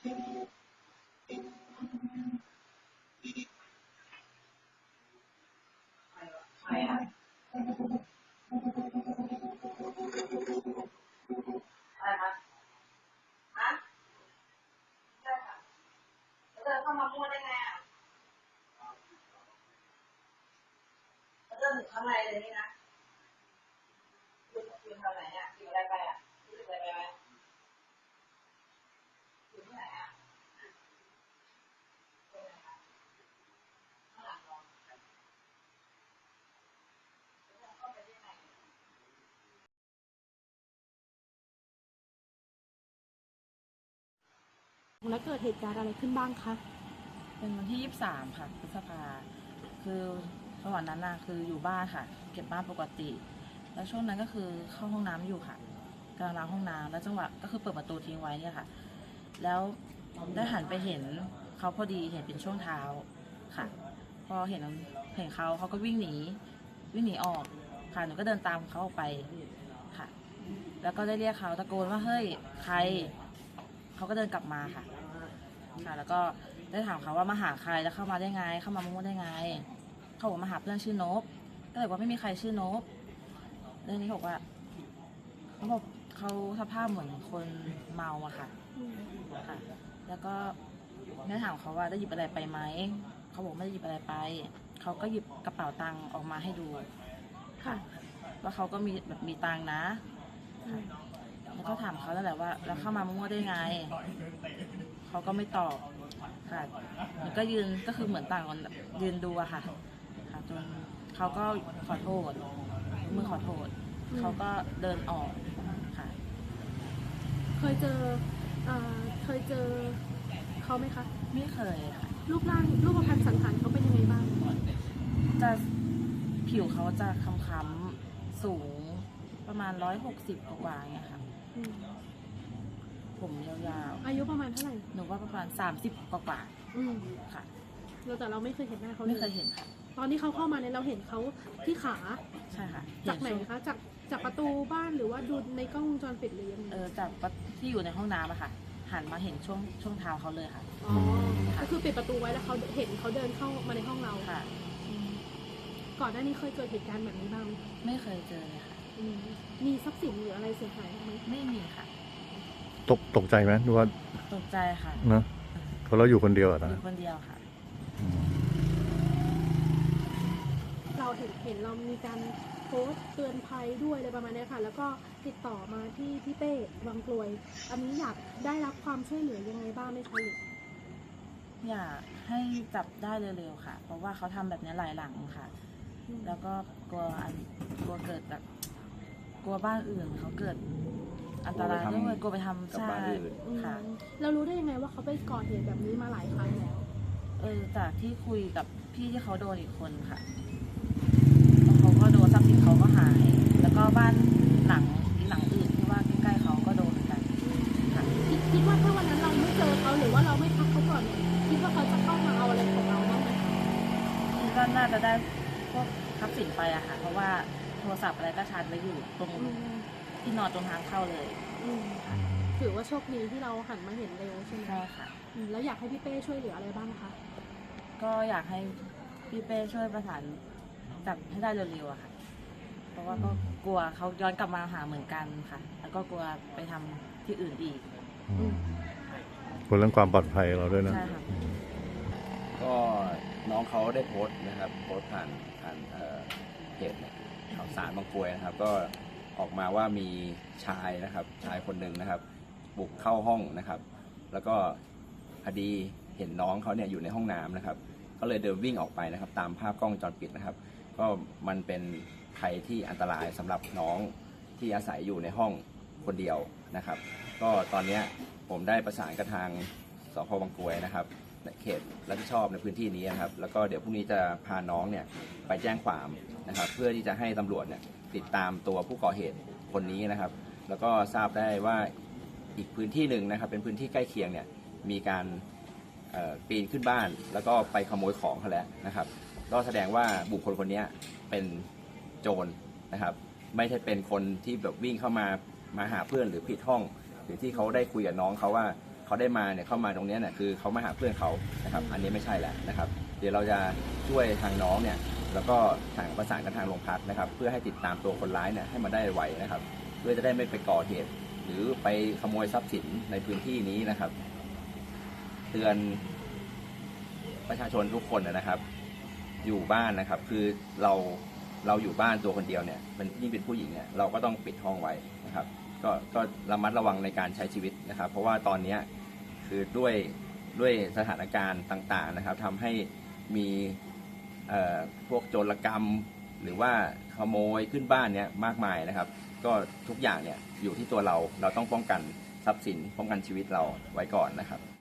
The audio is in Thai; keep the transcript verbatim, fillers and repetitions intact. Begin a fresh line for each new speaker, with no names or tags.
ใครอ่ะอะไรคะฮะใช่ค่ะแล้วเดินเข้ามาพูดได้ไงอ่ะแล้วเดินถึงข้างในเลยนี่นะคุณคุณทำไหนอ่ะกินอะไรไปอ่ะรู้สึกอะไรไปไหมอยู่ที่ไหนอ่ะข้างหลังเหรอเข้าไปได้ไง
แล้วเกิดเหตุการณ์อะไรขึ้นบ้างคะ
เป็นวันที่ยี่สิบสามค่ะพฤษภาคือระหว่างนั้นน่ะคืออยู่บ้านค่ะ เก็บบ้านปกติ แล้วช่วงนั้นก็คือเข้าห้องน้ำอยู่ค่ะกำลังล้างห้องน้ำแล้วจังหวะก็คือเปิดประตูทิ้งไว้เนี่ยค่ะ แล้วได้หันไปเห็นเขาพอดีเห็นเป็นช่วงเท้าค่ะ พอเห็นเห็นเขาเขาก็วิ่งหนีวิ่งหนีออกค่ะหนูก็เดินตามเขาออกไปค่ะ แล้วก็ได้เรียกเขาตะโกนว่าเฮ้ยใครเขาก็เดินกลับมาค่ะค่ะ แล้วก็ได้ถามเขาว่ามาหาใครแล้วเข้ามาได้ไง เข้ามามั่วได้ไงเขาบอกมาหาเพื่อนชื่อนบก็เลยว่าไม่มีใครชื่อนบเรื่องนี้บอกว่าเขาบอกเขาสภาพเหมือนคนเมาอะค่ะค่ะ แล้วก็ได้ถามเขาว่าได้หยิบอะไรไปไหมเขาบอกไม่ได้หยิบอะไรไปเขาก็หยิบกระเป๋าตังค์ออกมาให้ดูค่ะว่าเขาก็มีแบบมีตังค์นะค่ะแล้วก็ถามเขาแล้วแหละว่าแล้วเข้ามามั่วได้ไงเขาก็ไม่ตอบค่ะมันก็ยืนก็คือเหมือนต่างคนยืนดูอะค่ะค่ะจนเขาก็ขอโทษมือขอโทษเขาก็เดินออกค่ะ
เคยเจอเอ่อเคยเจอเขาไหมคะ
ไม่เคยค่ะ
รูปร่างรูปพรรณสันฐานเขาเป็นยังไงบ้าง
จะผิวเขาจะค้ำๆสูงประมาณร้อยหกสิบกว่าๆเนี่ยค่ะ
อืม
ผมยาว
อายุประมาณเท่าไหร่
ๆหนูว่าประมาณสามสิบกว่า
อืม
ๆค่ะ
เราแต่เราไม่เคยเห็นหน้าเขาล
ไม่เคยเห็นค่ะ
ตอนที่เขาเข้ามาเนี่ยเราเห็นเขาที่ขา
ใช่ค่ะ
จากไหน
เช่วง
คะ จากจากประตูบ้านหรือว่าดูในกล้องวงจรปิดหรือยังไง
เออจากที่อยู่ในห้องน้ำอะค่ะ หันมาเห็นช่วงช่วงเท้าเขาเลยค่ะ
อ๋อ ก็คือปิดประตูไว้แล้วเขาเห็นเขาเดินเข้ามาในห้องเรา
ค่ะ
อืมก่อนหน้านี้เคยเกิดเหตุการณ์แบบนี้บ้างไหมคะ
ไม่เคยเจอเลยค่ะ
อืมมีทรัพย์สินหรืออะไรเสียหายบ้างไหม
ไม่มีค่ะ
ตกตกใจไหมดูว่า
ตกใจค่ะ
เนอะเพราะเราอยู่คนเดียวอะ
อ
นะ
ยู่คนเดียวค่ะ
เราเห็นเห็นเรามีการโพสต์เตือนภัยด้วยอะไรประมาณเนี้ยค่ะ แล้วก็ติดต่อมาที่พี่เป้วังกลวย อันนี้อยากได้รับความช่วยเหลือยังไงบ้างไหมคะหรือ
อยากให้จับได้เร็วๆค่ะ เพราะว่าเขาทำแบบนี้หลายหลังค่ะ แล้วก็กลัวอันกลัวเกิดแบบกลัวบ้านอื่นเขาเกิดอันตรายด้วยกลัวไปทำ
กับ
ใช่
บ้านอื่น
ค่ะ
เรารู้ได้ยังไงว่าเขาไปก่อเหตุแบบนี้มาหลายครั้งแล้ว
เออจากที่คุยกับพี่ที่เขาโดนอีกคนค่ะแล้วเขาก็โดนทรัพย์สินเขาก็หาย แล้วก็บ้านหลังอีกหลังอื่นที่ว่าใกล้ๆเขาก็โดนเหมือนกันค่ะ
คิดคิดว่าถ้าวันนั้นเราไม่เจอเขาหรือว่าเราไม่ทักเขาก่อนเนี่ยคิดว่าเขาจะเข้ามาเอาอะไรของเราบ้างไหมคะ
คิดว่าน่าจะได้พวกทรัพย์สินไปอะค่ะ เพราะว่าโทรศัพท์อะไรก็ชาร์จไว้อยู่ตรง
อืม
ที่นอนตรงทางเข้าเลย
อืมถือว่าโชคดีที่เราหันมาเห็นเร็วใช่ไหม
ใช่ค่ะ
อืมแล้วอยากให้พี่เป้ช่วยเหลืออะไรบ้างคะ
ก็อยากให้พี่เป้ช่วยประสานจับให้ได้เร็วๆอะค่ะ เพราะว่าก็กลัวเขาย้อนกลับมาหาเหมือนกันค่ะ แล้วก็กลัวไปทำที่อื่นอีก
อืมกลัวเรื่องความปลอดภัยเราด้วยนะ
ใช่ค่ะ
ก็น้องเขาได้โพสต์นะครับโพสต์ผ่านผ่านเอ่อเพจเนี่ยข่าวสารบางกรวยนะครับ ก็ออกมาว่ามีชายนะครับชายคนหนึ่งนะครับ บุกเข้าห้องนะครับ แล้วก็พอดีเห็นน้องเขาเนี่ยอยู่ในห้องน้ำนะครับ ก็เลยเดินวิ่งออกไปนะครับ ตามภาพกล้องวงจรปิดนะครับ ก็มันเป็นภัยที่อันตรายสำหรับน้องที่อาศัยอยู่ในห้องคนเดียวนะครับ ก็ตอนนี้ผมได้ประสานกับทางสพบางกรวยนะครับเขตรับผิดชอบในพื้นที่นี้นะครับ แล้วก็เดี๋ยวพรุ่งนี้จะพาน้องเนี่ยไปแจ้งความนะครับ เพื่อที่จะให้ตำรวจเนี่ยติดตามตัวผู้ก่อเหตุคนนี้นะครับ แล้วก็ทราบได้ว่าอีกพื้นที่หนึ่งนะครับ เป็นพื้นที่ใกล้เคียงเนี่ยมีการปีนขึ้นบ้านแล้วก็ไปขโมยของเขาแล้วนะครับ ก็แสดงว่าบุคคลคนนี้เป็นโจรนะครับ ไม่ใช่เป็นคนที่แบบวิ่งเข้ามามาหาเพื่อนหรือผิดห้อง หรือที่เขาได้คุยกับน้องเขาว่าเขาได้มาเนี่ยเข้ามาตรงนี้เนี่ยคือเขามาหาเพื่อนเขานะครับอันนี้ไม่ใช่แหละนะครับ เดี๋ยวเราจะช่วยทางน้องเนี่ยแล้วก็ทางประสานกับทางโรงพักนะครับเพื่อให้ติดตามตัวคนร้ายเนี่ยให้มาได้ไวนะครับเพื่อจะได้ไม่ไปก่อเหตุหรือไปขโมยทรัพย์สินในพื้นที่นี้นะครับเตือนประชาชนทุกคนนะครับอยู่บ้านนะครับคือเราเราอยู่บ้านตัวคนเดียวเนี่ยเป็นยิ่งเป็นผู้หญิงเนี่ยเราก็ต้องปิดห้องไว้นะครับก็ก็ระมัดระวังในการใช้ชีวิตนะครับเพราะว่าตอนนี้คือด้วยด้วยสถานการณ์ต่างๆนะครับทำให้มีพวกโจรกรรมหรือว่าขโมยขึ้นบ้านเนี่ยมากมายนะครับก็ทุกอย่างเนี่ยอยู่ที่ตัวเราเราต้องป้องกันทรัพย์สินป้องกันชีวิตเราไว้ก่อนนะครับ